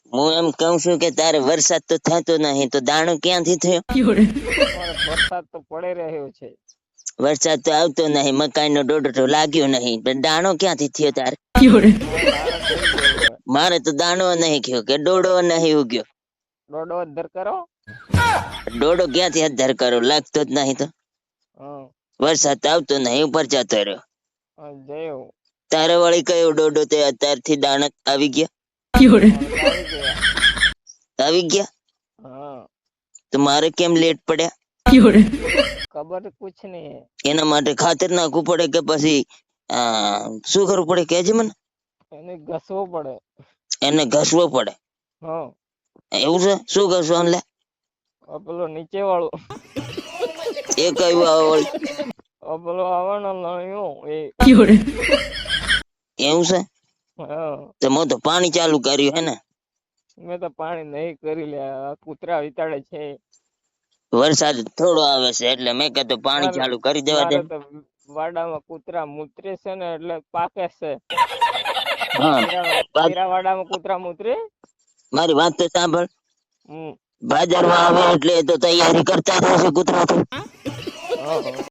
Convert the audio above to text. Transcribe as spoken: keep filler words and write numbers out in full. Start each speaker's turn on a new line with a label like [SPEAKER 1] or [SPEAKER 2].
[SPEAKER 1] હું એમ કહું છું કે તારે વરસાદ તો થતો નહીં તો દાણો ક્યાંથી થયો?
[SPEAKER 2] વરસાદ તો પડે રહ્યો છે.
[SPEAKER 1] વરસાદ તો આવતો નહીં, મકાઈ નો ડોડો તો લાગ્યો નહીં, પણ દાણો ક્યાંથી થયો તારે? મારે તો દાણો નહીં થયો કે ડોડો નહીં ઉગ્યો.
[SPEAKER 2] ડોડો અધર કરો.
[SPEAKER 1] ડોડો ક્યાંથી અધર કરો, લાગતો જ નહીં તો. વરસાદ આવતો નહીં, ઉપર જતો રહ્યો. તારે વળી કયો ડોડો તે અત્યારથી દાણા આવી ગયા? આવી ગયા તો મારે કેમ લેટ પડ્યા?
[SPEAKER 2] ખબર કુછ નહીં.
[SPEAKER 1] એના માટે ખાતર નાખવું પડે કે પછી શું કરવું પડે કેજે મને?
[SPEAKER 2] એને ઘસવો પડે.
[SPEAKER 1] એને ઘસવો પડે? એવું છે? શું ઘસવું લે?
[SPEAKER 2] પેલો નીચે વાળો
[SPEAKER 1] એ કયું આવે?
[SPEAKER 2] પેલો આવવાનો નળિયો એ.
[SPEAKER 1] એવું છે? તો મેં તો પાણી ચાલુ કર્યું હે ને?
[SPEAKER 2] મેં તો પાણી નહીં કરી લે, કૂતરા વિતાડે છે.
[SPEAKER 1] વરસાદ થોડો આવે છે એટલે મેં કીધું પાણી ચાલુ કરી દેવા દે.
[SPEAKER 2] વાડામાં કૂતરા મૂતરે છે ને એટલે પાકે છે.
[SPEAKER 1] હા,
[SPEAKER 2] વાડામાં કૂતરા મૂતરે.
[SPEAKER 1] મારી વાત તો સાંભળ. બાજારમાં આવે એટલે તો તૈયારી કરતા રહેશે કૂતરા તો.